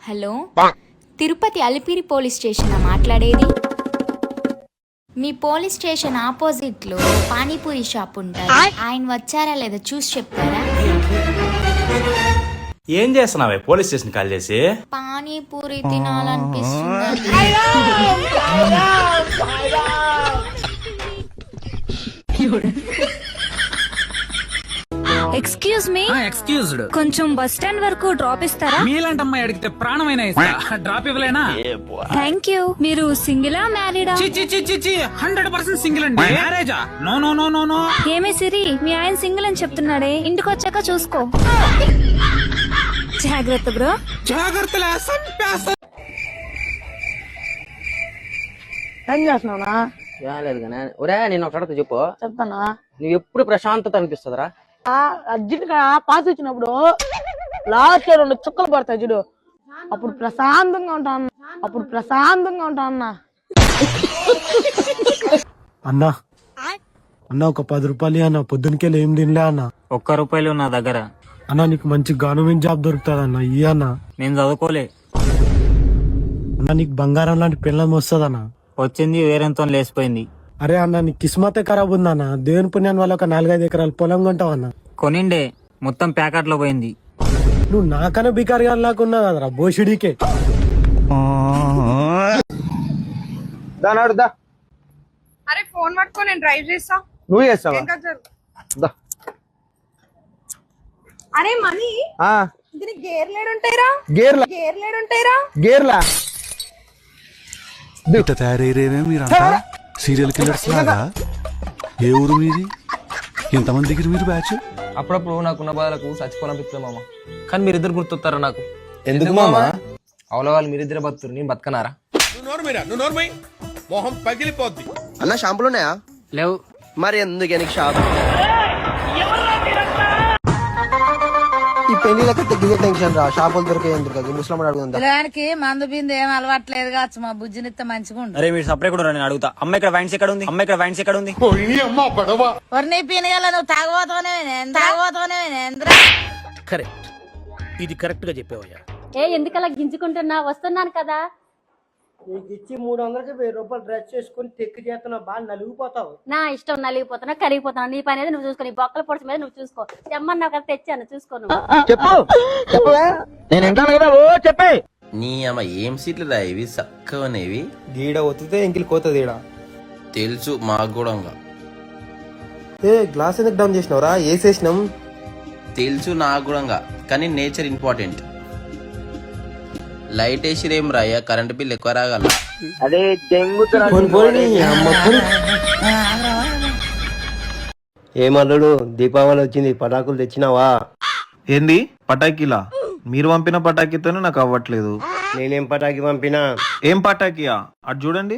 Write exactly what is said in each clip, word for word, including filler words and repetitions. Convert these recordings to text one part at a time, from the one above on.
Hello, Tirupati Alipiri police station మాట్లాడేది? మీ police station opposite లో పానీపూరి షాప్ ఉంటుంది. ఆయన వచ్చారా లేదా చూసి చెప్తారా? ఏం చేస్తున్నావే పోలీస్ స్టేషన్ కాల్ చేసి? పానీపూరి తినాలనిపిస్తుంది. ఎక్స్క్యూజ్ మీ ఎక్స్క్యూజ్డ్ కొంచెం బస్ స్టాండ్ వరకు డ్రాప్ ఇస్తారా? మీలాంటి అమ్మాయి అడిగితే ప్రాణమైన ఇస్తా. డ్రాప్ ఇవ్వలేనా? Thank you. మీరు సింగిలా మ్యారీడా? హండ్రెడ్ పర్సెంట్ సింగిల్ అండి. మ్యారేజా? No no no no no. ఏమే సిరి, మీ ఆయన సింగిల్ అని చెప్తున్నాడే, ఇంటికి వచ్చాక చూసుకో. జాగ్రత్త బ్రో. జాగ్రత్తలే. ఏం చేస్తున్నావునా? లేదు కానీ ఒరే నేను ఒక అడగ చెప్పు. చెప్తానా? నువ్వు ఎప్పుడు ప్రశాంతత అనిపిస్తుందిరా? అర్జెంట్ గా పాస్ వచ్చినప్పుడు లాస్ట్ లో రెండు చుక్కలు పడతాయి చూడు, అప్పుడు ప్రశాంతంగా ఉంటాను. అప్పుడు ప్రశాంతంగా ఉంటా అన్న. అన్నా అన్న ఒక పది రూపాయలు అన్న, పొద్దునకెళ్ళి ఏం తినలే అన్న. ఒక్క రూపాయలు నా దగ్గర. అన్న నీకు మంచి గవర్నమెంట్ జాబ్ దొరుకుతుంది అన్న, ఇయ్య అన్న. నేను చదువుకోలే అన్న నీకు బంగారం లాంటి పిల్లలు వస్తుంది అన్న. వచ్చింది వేరేంతో లేసిపోయింది. అరే అన్న నీ కిస్మతే ఖరాబ్ ఉందన్న. దేవుని పుణ్యాన్ని వల్ల ఒక నాలుగైదు ఎకరాలు పొలం కొంటావు అన్న. కొనిండే మొత్తం ప్యాకెట్ లో పోయింది. నువ్వు నాకన్నా బికారి గారు లాక్కున్నావు కదరా బోషుడికే. అరే ఫోన్ పట్టుకో, నేను డ్రైవ్ చేస్తా. నువ్వు చేస్తావా? అరే మనీ దీనికి గేర్లేడు ఉంటాయిరా. గేర్ల గేర్లేడు ఉంటాయిరా. గేర్లా ఇట్ట తయారయ్యేవే మీరంతా సీరియల్ కిల్లర్స్ లాగా. ఏ ఊరు మీది? ఎంతమంది దగ్గర మీరు బ్యాచ్? అప్పుడప్పుడు నాకున్న బాధలకు చచ్చిపోవాలనిపిస్తుంది మామ, కానీ మీరిద్దరు గుర్తొస్తారా నాకు. ఎందుకు మామా? అవల వాళ్ళు మీరిద్దరే బతురు, నేను బతకనారా? మొహం పగిలిపోద్ది. అన్న షాంపులు ఉన్నాయా? లేవు. మరి ఎందుకే నీకు షాప్? ఈ పెళ్లిలకి దిగే టెన్షన్ రా, షాపులు దొరికే ఎందుకు ముస్లిం అడుగుందా? పిల్లగానికి మందు బిందు ఏం అలవాట్లేదు కావచ్చు, మా బుజ్జినిత్త మంచిగా ఉండు. అరే మీరు సపరేట్ కూడా నేను అడుగుతా. అమ్మ ఇక్కడ వైన్స్ ఎక్కడ ఉంది? అమ్మ ఇక్కడ వైన్స్ ఎక్కడ ఉంది? వర్ణి పీనగల నువ్వు తాగబోతావనే తాగబోతావనే ఎంద్రా. కరెక్ట్, ఇది కరెక్ట్ గా చెప్పావయ్యా. ఏ ఎందుకలా గింజుకుంటున్నా? వస్తున్నాను కదా. నీకు ఇచ్చి మూడు వందలకి వెయ్యి రూపాయలు డ్రెస్ చేసుకుని తెక్కి చేస్తున్నావు, బాగా నలిగిపోతావు. నా ఇష్టం, నలిగిపోతున్నా కరిగిపోతున్నా. నీ పని అనేది నువ్వు చూసుకో, నీ బొక్కల పొడిచి మీద నువ్వు చూసుకో. తెమ్మన్నావు కదా, తెచ్చాను, చూసుకో నువ్వు. చెప్పు చెప్పవే, నేను వింటాను కదా. ఓ చెప్పే. నీ అమ్మ ఏం సీట్లు రా ఇవి చక్కవనేవి. గీడ ఒత్తితే ఇంకిలి కోతది ఈడ. తెలుసు మాకు కూడా. ఏ గ్లాస్ ఎందుకు డౌన్ చేసినావురా? వేసేసినాం. తెలుసు నాకు కూడా, కానీ నేచర్ ఇంపార్టెంట్. లైట్ వేసిరేం రాయ్యా, కరెంట్ బిల్ ఎక్కువ రాగల. ఏమల్లుడు దీపావళి వచ్చింది, పటాకులు తెచ్చినావా? ఏంది పటాకీలా? మీరు పంపిన పటాకీతోనే నాకు అవ్వట్లేదు. నేనేం పటాకి పంపినా? ఏం పటాకీయా? అటు చూడండి.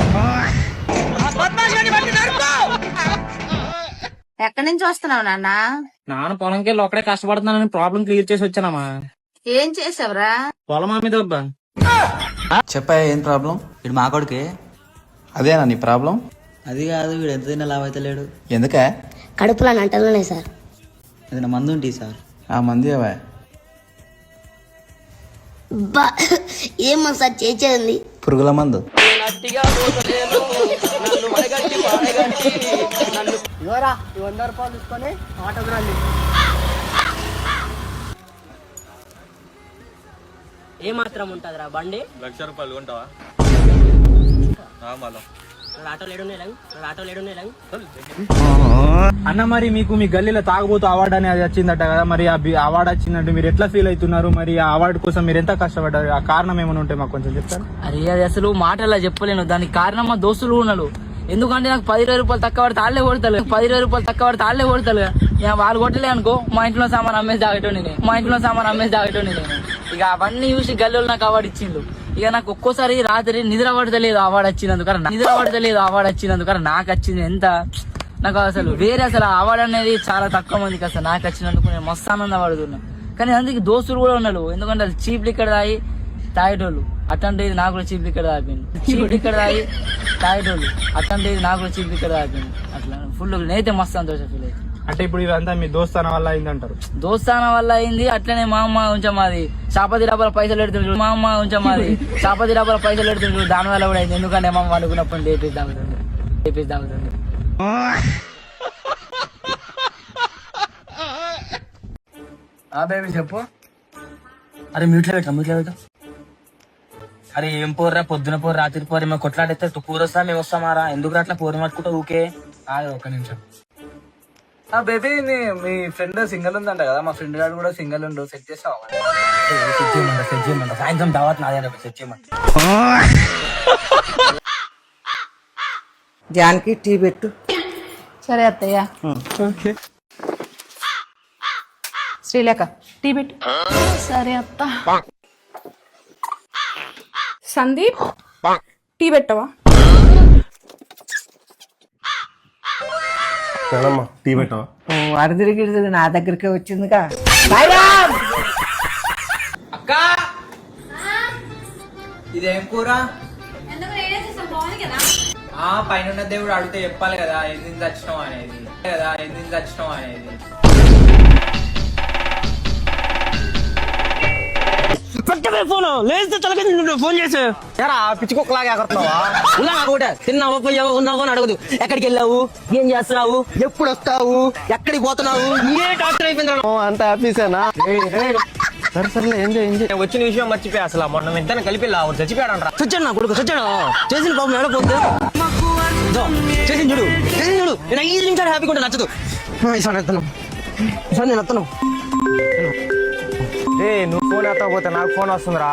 ఎక్కడి నుంచి వస్తున్నావు నాన్న? నాన్న పొలంకి వెళ్ళి ఒక్కడే కష్టపడుతున్నానని ప్రాబ్లం క్లియర్ చేసి వచ్చానమ్మా. ఏం చేసావురా? పొలం మీద చెప్పా ఏం ప్రాబ్లం? ఇటు మా కొడుకే. అదేనా నీ ప్రాబ్లం? అది కాదు, వీడు ఎంత తిన్నా లాభ అయితే లేడు. ఎందుకే? కడుపులో అంటలున్నాయి సార్. ఏదైనా మందు ఉంటుంది సార్. ఆ మంది అవే. ఏమో సార్ చేసేది పురుగుల మందు. ఇవరా ఈ వంద రూపాయలు తీసుకొని ఆటోకి రండి. ఏ మాత్రం ఉంటుందిరా బండి? లక్ష రూపాయలు కొంటావా? అన్న మరి మీకు మీ గల్లీలో తాగబోతు అవార్డు అనేది వచ్చిందట కదా, మరి ఆ అవార్డు వచ్చిందంటే మీరు ఎట్లా ఫీల్ అవుతున్నారు? మరి ఆ అవార్డు కోసం మీరు ఎంత కష్టపడ్డారు? ఆ కారణం ఏమైనా ఉంటే మాకు కొంచెం చెప్తారు. అరే అది అసలు మాటలా చెప్పలేను, దానికి కారణం మా దోస్తులు ఉన్నారు. ఎందుకంటే నాకు పది ఇరవై రూపాయలు తక్కువ పడితే తాళ్లే కొడతారు. పది ఇరవై రూపాయలు తక్కువ పడితే తాళ్లే కొడతారు. వాళ్ళు కొట్టలే అనుకో, మా ఇంట్లో సామాన్ అమ్మేసి తాగటం నేను మా ఇంట్లో సామాన్ అమ్మేసి తాగటం నేను ఇక అవన్నీ చూసి గల్లీలో నాకు అవార్డు ఇచ్చిండు. ఇక నాకు ఒక్కోసారి రాత్రి నిద్ర పడతలేదు అవార్డు వచ్చినందుకు, నిద్ర పడతలేదు అవార్డు వచ్చినందుకు నాకు వచ్చింది ఎంత నాకు అసలు వేరే అసలు అవార్డు అనేది చాలా తక్కువ మందికి అసలు నాకు వచ్చినందుకు నేను మస్తు ఆనంద పడుతున్నా. కానీ అందుకే దోస్తులు కూడా ఉన్నారు, ఎందుకంటే అది చీప్ లిక్కర్ తాగి తాగేటోళ్ళు. అట్లాంటి నాకు కూడా చీప్ లిక్కర్ తాగిపోయింది. చీప్ లిక్కర్ తాగి తాగేటోళ్ళు. అట్లాంటి నాకు కూడా చీప్ లిక్కర్ తాగిపోయింది. అట్లా ఫుల్ నేనైతే మస్తు సంతోషం ఫీల్ అవుతుంది. అంటే ఇప్పుడు ఇదంతా మీ దోస్తాన వల్ల అయిందంటారు. దోస్తాన వల్ల అయింది. అట్లనే మా అమ్మ కొంచెం మాది చాపతి డబ్బాల పైసలు పెడుతుండ్రు. మా అమ్మ కొంచెం మాది చాపతి డబ్బాల పైసలు పెడుతుండ్రు. దాని వల్ల కూడా అయింది. ఎందుకంటే మా అమ్మ అనుకున్నప్పుడు లేపేసి తాగుతుంది లేపేసి తాగుతుంది ఆ బేబీ చెప్పు. అరే మ్యూట్లో పెట్టా మ్యూట్లో పెట్టా. అరే ఏం పోర్రా, పొద్దున పోరు రాత్రి పోరు మేము కొట్లాడితే పూర్ వస్తా మేము వస్తామారా, ఎందుకు అట్లా పోరు పట్టుకుంటా ఊకే. అదే ఒక నిమిషం. ఆ బేబీ మీ ఫ్రెండ్ సింగల్ ఉందంట కదా, మా ఫ్రెండ్ గారు కూడా సింగల్ ఉండు, సెట్ చేస్తావా? సెట్ చేయమంట సెట్ చేయమంట సాయంత్రం దావత్ నాదే సెట్ చేయమంట. జాన్కి టీ పెట్టు. సరే అత్తయ్య. శ్రీలేఖ టీ పెట్టు. సరే అత్త. సందీప్ టీ పెట్టవా? టీ పెట్టవా? అరదిరిగి నా దగ్గరికి వచ్చిందిగా. అక్క ఇదేం కూర? ఆ పైన దేవుడు అడిగితే చెప్పాలి కదా ఎందుకు చచ్చినాం అనేది కదా ఎందుకు చచ్చినాం అనేది. ఫోన్ లేస్తే తలకి ఫోన్ చేసి పిచ్చుకోకలాగా ఎగరుతున్నావా? ఉన్నావా కూడా తిన్నావా పోయావా ఉన్నావు అని అడగదు. ఎక్కడికి వెళ్ళావు, ఏం చేస్తున్నావు, ఎప్పుడు వస్తావు, ఎక్కడికి పోతున్నావు, ఏ డాక్టర్ అయిపోయింది అంత హ్యాపీసేనా? సరే సరే ఎంజాయ్ ఎంజాయ్. వచ్చిన విషయం మర్చిపోయా అసలు మొన్న ఇద్దరిని కలిపి చచ్చిపోయాడు రా. చచ్చాడు నా కొడుకు చచ్చాడు. చేసిన పాపం ఏడపోతే చేసి చూడు చేసి చూడు. నేను ఐదు నిమిషాలు హ్యాపీగా ఉంటే నచ్చదు. ఈసారి ఎత్తను ఈసారి నేను ఎత్తను. ఏ నువ్వు ఫోన్ ఎత్తకపోతే నాకు ఫోన్ వస్తుందిరా.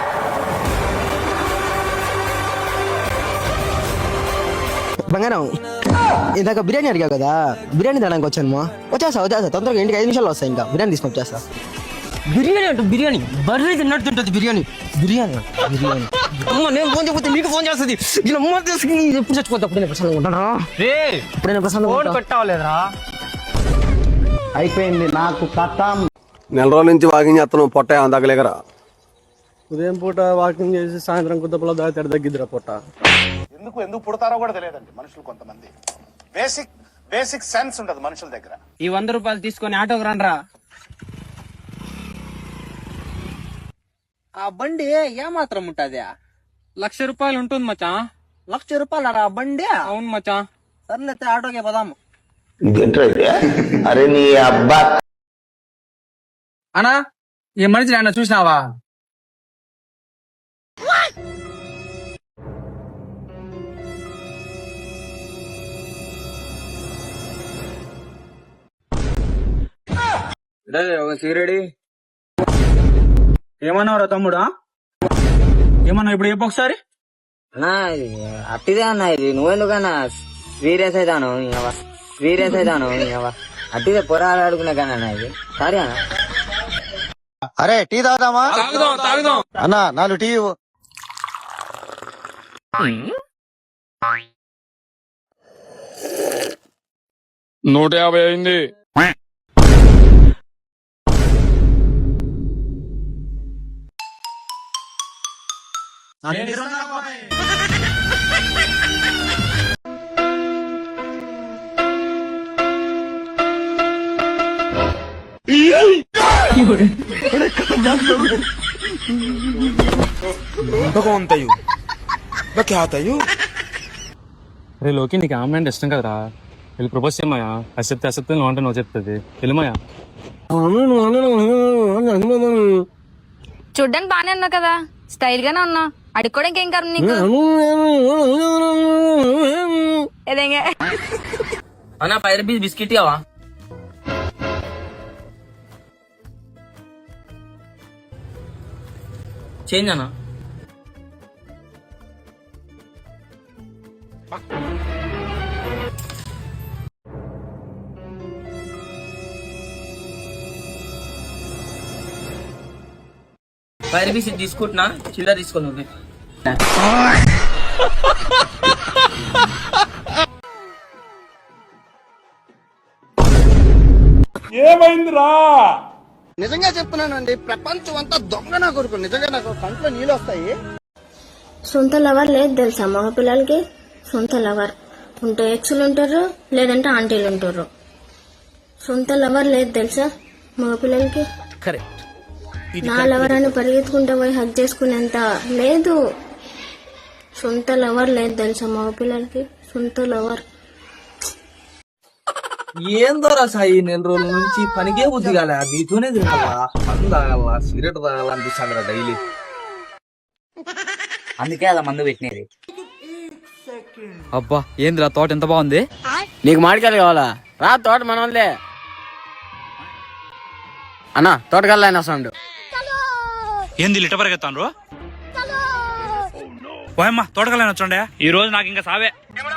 బంగారం ఇందాక బిర్యానీ అడిగావు కదా, బిర్యానీ తినడానికి వచ్చాను. వచ్చేస్తా వచ్చేస్తా తొందరగా ఇంటికి ఐదు నిమిషాలు వస్తాయి. ఇంకా బిర్యానీ తీసుకొని వచ్చేస్తా. బిర్యానీ అంటూ బిర్యానీ బర్రీ తిన్నట్టుంటది. బిర్యానీ బిర్యానీ బిర్యానీ అమ్మ నేను ఫోన్ చేయకపోతే నీకు ఫోన్ చేస్తుంది. నేను అమ్మ తీసుకుని ఎప్పుడు చచ్చిపోతా అప్పుడు నేను ప్రశాంతంగా ఉంటానా? ఇప్పుడు నేను ప్రశాంతంగా పెట్టావలేదురా. అయిపోయింది నాకు కథం. నెల రోజుల నుంచి వాకింగ్ చేస్తాను, పొట్ట ఏమైనా తగ్గలేకరా. ఉదయం పూట వాకింగ్ చేసి సాయంత్రం కుద్దపల దాటి తగ్గిద్దిరా పొట్ట. ఎందుకు ఎందుకు పుడతారో కూడా తెలియదండి మనుషులు. కొంతమంది బేసిక్ బేసిక్ సెన్స్ ఉండదు మనుషుల దగ్గర. ఈ వంద రూపాయలు తీసుకొని ఆటోకి రండ్రా. ఆ బండి ఏమాత్రం ఉంటది? లక్ష రూపాయలు ఉంటుంది మచా. లక్ష రూపాయలు ఆ బండి? అవును మచా. సర్లేతే ఆటోకే పదాము. అరే నీ అబ్బా అనా ఈ మనిషి ఆయన చూసినావా? సీరెడీ ఏమన్నావురా తమ్ముడా? ఏమన్నావు ఇప్పుడు చెప్పు ఒకసారి. అన్నా అట్టిదే అన్న ఇది. నువ్వెందుకన్నా సీరియస్ అవుతాను సీరియస్ అవుతాను అట్టిదే పొరాలు ఆడుకునే కన్నా ఇది. సరే అన్న. అరే టీ తాగుదామా? అన్నా నాలుగు టీ. నూట యాభై అయింది. అరే లోకి నీకు ఆమె అంటే ఇష్టం కదరా, వెళ్ళి ప్రపోజ్ చేయమాయా. అది చెప్తే అసెప్తే నువ్వు అంటే నువ్వు చెప్తుంది వెళ్ళమాయా. చూడ్డానికి బానే ఉన్నా కదా, స్టైల్ గానే ఉన్నా. అడుక్కోవడానికి ఏం కాదు నీకు. అన్నా పది రూపీస్ బిస్కెట్ కావా? చేంజ్ అన్నా. ఫైవ్ రూపీస్ తీసుకుంటున్నా, చిల్లర తీసుకో నువ్వు. ఏమైందిరా? నిజంగా చెప్తున్నానండి, ప్రపంచం అంతా దొంగ నా కొడుకు. నిజంగా నాకు కంట్లో నీళ్ళు వస్తాయి. సొంత లవర్ లేదు తెలుసా మగ పిల్లలకి? సొంత లవర్ ఉంటే ఎక్స్లు ఉంటారు, లేదంటే ఆంటీలు ఉంటారు. సొంత లవర్ లేదు తెలుసా మగపిల్లలకి. కరెక్ట్. నా లవర్ అని పరిగెత్తుకుంటా పోయి హక్ చేసుకునేంత లేదు. సొంత లవర్ లేదు తెలుసా మగపిల్లలకి, సొంత లవర్. ఏందోరా సాయి, నెల రోజుల నుంచి పనికే బుద్ధి కాలే, నీతోనే తిరగాలా, పని తాగాల, సిగరెట్ తాగాలనిపిస్తాను డైలీ. అందుకే అలా మందు పెట్టినది. అబ్బా ఏందిరా తోట ఎంత బాగుంది. నీకు మామిడికాయలు కావాలా? రా, తోట మనోళ్ళే. అన్నా తోటకల్లా అయినా సౌండ్ ఏంది లిట పరిగెత్తాను పోయమ్మా తోటకల్లా వచ్చండే ఈ రోజు నాకు ఇంకా సావే.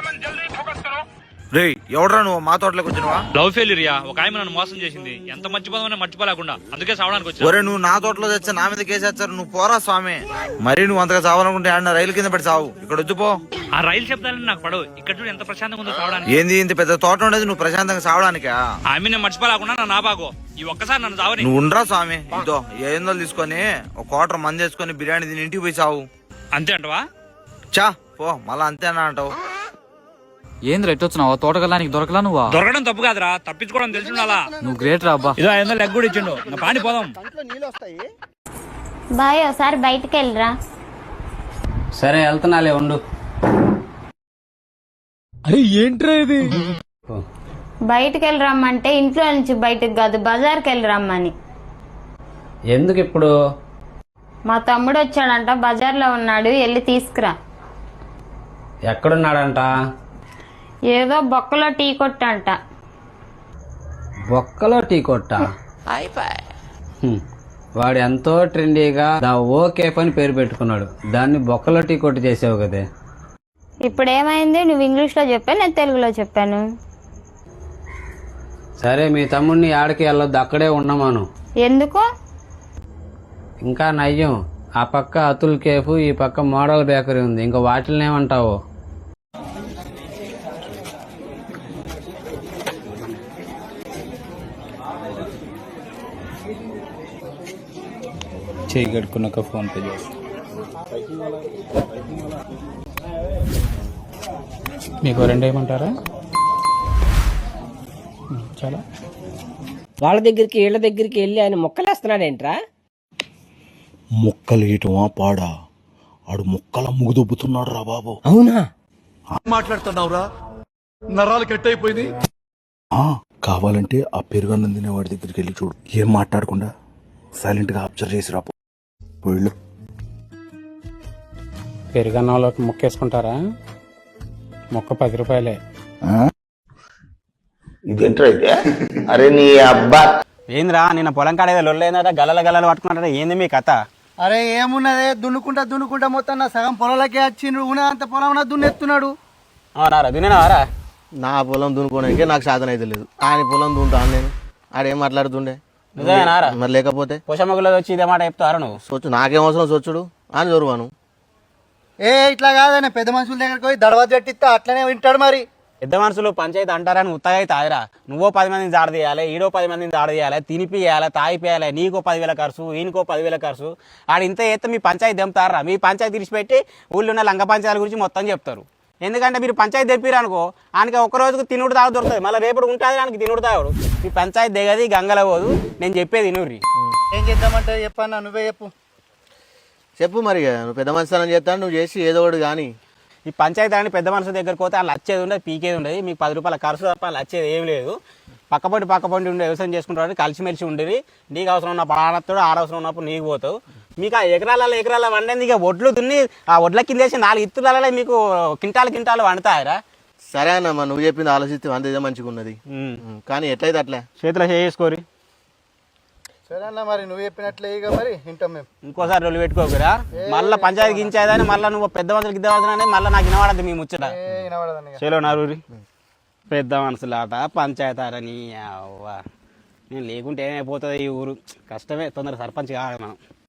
రే ఎవడరా నువ్వు మా తోటలోకి వచ్చినవా? లవ్ ఫెయిల్యూరియా ఒక ఆమె నన్ను మోసం చేసింది. ఎంత మర్చిపోదామని మర్చిపోలేకుండా అందుకే సావడానికి వచ్చా. ఒరే నువ్వు నా తోటలో తెచ్చా నా మీద కేసేస్తారు, నువ్వు పోరా స్వామి. మరి నువ్వు అంతగా చావాలనుకుంటే ఆడిన రైలు కింద పెట్టి చావు, ఇక్కడ వచ్చిపో. ఆ రైలు శబ్దాలని నాకు పడవు. ఇక్కడ చూడు ఎంత ప్రశాంతంగా ఉందో సావడానికి. ఏంది ఇంత పెద్ద తోట ఉండేది నువ్వు ప్రశాంతంగా చావడానికా? ఆమె నేను మర్చిపోలేకుండా నా నాబాగో ఈ ఒక్కసారి నన్ను చావని. నువ్వు ఉండరా స్వామి. ఇదో ఏందో తీసుకొని ఒక క్వార్టర్ మంది వేసుకొని బిర్యానీ తిని ఇంటికి పోయి చావు. అంతే అంటవా? చా పో, మళ్ళా అంతేనా అంటావు? ఏంద్ర ఎట్టొచ్చినావు తోటకల్లానికి దొరకలా నువ్వా? దొరకడం తప్పు కాదురా, తప్పించుకోవడం తెలిసి ఉండాలా. నువ్వు గ్రేట్ రా అబ్బా. ఇదో ఐదు వందలు లెగ్ కూడా ఇచ్చిండు. నా పాని పోదాం. బాయ్ ఒకసారి బయటకు వెళ్ళరా. సరే వెళ్తున్నాలే ఉండు. అరే ఏంట్రా ఇది? బయటకు వెళ్ళి రమ్మంటే ఇంట్లో నుంచి బయటకు కాదు బజార్కి వెళ్ళి రమ్మని. ఎందుకు ఇప్పుడు? మా తమ్ముడు వచ్చాడంట, బజార్లో ఉన్నాడు, వెళ్ళి తీసుకురా. ఎక్కడున్నాడంట? ఏదో బొక్కలో టీ కొట్టంట. బొక్కలో టీ కొట్ట? హ్మ్. వాడు ఎంతో ట్రెండీగా దా ఓకే పని పేరు పెట్టుకున్నాడు, దాన్ని బొక్కలో టీ కొట్టు చేసావు కదే. ఇప్పుడు ఏమైంది? నువ్వు ఇంగ్లీష్ లో చెప్పాను, నేను తెలుగులో చెప్పాను. సరే మీ తమ్ముడిని ఆడికి వెళ్ళొద్దు, అక్కడే ఉండమాను. ఎందుకు? ఇంకా నయ్యం, ఆ పక్క అతుల్ కేఫ్, ఈ పక్క మోడల్ బేకరీ ఉంది, ఇంకా వాటిని ఏమంటావు? చేయి కట్టుకున్నాక ఫోన్ పే చేస్తా. మీకు రెండు ఏమంటారా? చాలా వాళ్ళ దగ్గరికి వీళ్ళ దగ్గరికి వెళ్ళి ఆయన మొక్కలేస్తున్నాడేంట్రా? మొక్కలు ఏటమా పాడా, ఆడు మొక్కల ముగుదొబ్బుతున్నాడు రా బాబు. అవునా? మాట్లాడుతున్నావురా, నరాలు కట్ అయిపోయింది. కావాలంటే ఆ పెరుగన్నం తినేవాడి దగ్గరికి వెళ్ళి చూడు, ఏం మాట్లాడకుండా సైలెంట్ గా అబ్జర్వ్ చేసి రాపో. వెళ్ళు. పెరుగన్నంలోకి మొక్కేసుకుంటారా? మొక్క పది రూపాయలే. ఇదేంట్రా ఇదే? అరే నీ అబ్బా ఏంద్రా నిన్న పొలం కాడ లొల్లైందా, గలల గలలు పట్టుకున్నారా? ఏంది మీ కథ? అరే ఏమున్నదే, దున్నుకుంటా దున్నుకుంటా మొత్తం నా సగం పొలంలోకి వచ్చిండు, అంత పొలం దున్నెత్తున్నాడు. అవునారా దున్నేనారా? నా పొలం దున్నుకోవడానికి నాకు సాధన అయితే లేదు, ఆయన పొలం దున్నుతాను నేను. ఆడేం మాట్లాడుతుండే నిజమేనారా? మరి లేకపోతే పోషమ్మగులో వచ్చి ఇదే మాట చెప్తారా నువ్వు? సొచ్చు నాకేం అవసరం సొచ్చుడు అని జరువాను. ఏ ఇట్లా కాదనే పెద్ద మనుషుల దగ్గరికి పోయి దడవ జట్టిస్తా అట్లనే వింటాడు. మరి పెద్ద మనుషులు పంచాయతీ అంటారని ఉత్తగా అయితే ఆదిరా. నువ్వో పది మందిని జాడ తీయాలి, ఈడో పది మందిని జాడ తీయాలి, తినిపియాలి, తాగిపోయాలి, నీకో పదివేల ఖర్చు, ఈయనకో పదివేల ఖర్చు. ఆడ ఇంత ఎత్తే మీ పంచాయతీ దింపుతారా? మీ పంచాయతీ తీసిపెట్టి ఊళ్ళో ఉన్న లంగ పంచాయతీల గురించి మొత్తం చెప్తారు. ఎందుకంటే మీరు పంచాయతీ తెప్పిరు అనుకో, ఆయనకి ఒక రోజుకు తినుడు తాగు దొరుకుతుంది, మళ్ళీ రేపటి ఉంటుంది ఆయనకి తినుడు తాగుడు. మీ పంచాయతీ దిగది గంగల పోదు. నేను చెప్పేది ఇనుర్రి. ఏం చేద్దామంటే చెప్పన్నా, నువ్వే చెప్పు. చెప్పు మరి, నువ్వు పెద్ద మనిషి అని చేస్తాను, నువ్వు చేసి ఏదో ఒకటి కానీ. ఈ పంచాయతీ అని పెద్ద మనుషుల దగ్గరికి పోతే వాళ్ళు వచ్చేది ఉండదు, పీకేది ఉండదు. మీకు పది రూపాయల ఖర్చు తప్ప వాళ్ళు వచ్చేది ఏం లేదు. పక్కపొంటి పక్కపొంటి ఉండే వ్యవసాయం చేసుకుంటారు, కలిసిమెలిసి ఉండేది. నీకు అవసరం ఉన్న పడాడతాడు, ఆడవసరం ఉన్నప్పుడు నీకు పోతావు. మీకు ఆ ఎకరాల ఎకరాల వండేది ఇక ఒడ్లు దున్ని ఆ ఒడ్ల కింద వేసి నాలుగు ఇత్తులలో మీకు కింటాలు కింటాలు వండుతాయరా? సరే అన్నమ్మా, నువ్వు చెప్పింది ఆలోచిస్తే అంత ఇదే మంచిగా ఉన్నది, కానీ ఎట్లయితే అట్లా చేతిలో చేసుకోరి. సరే అన్న, మరి నువ్వు చెప్పినట్లే ఇక మరి వింటాం మేము. ఇంకోసారి రొల్లు పెట్టుకోకురా, మళ్ళీ పంచాయతీ గించేదని మళ్ళీ నువ్వు పెద్ద మనుషులు గిద్ద మనుషులు మళ్ళీ నాకు వినవాడద్దు మీ ముచ్చట. చేలో నరూరి పెద్ద మనుషులు ఆట పంచాయతీ ఆటని నేను లేకుంటే ఏమైపోతుంది ఈ ఊరు. కష్టమే, తొందర సర్పంచ్ కావాలి మనం.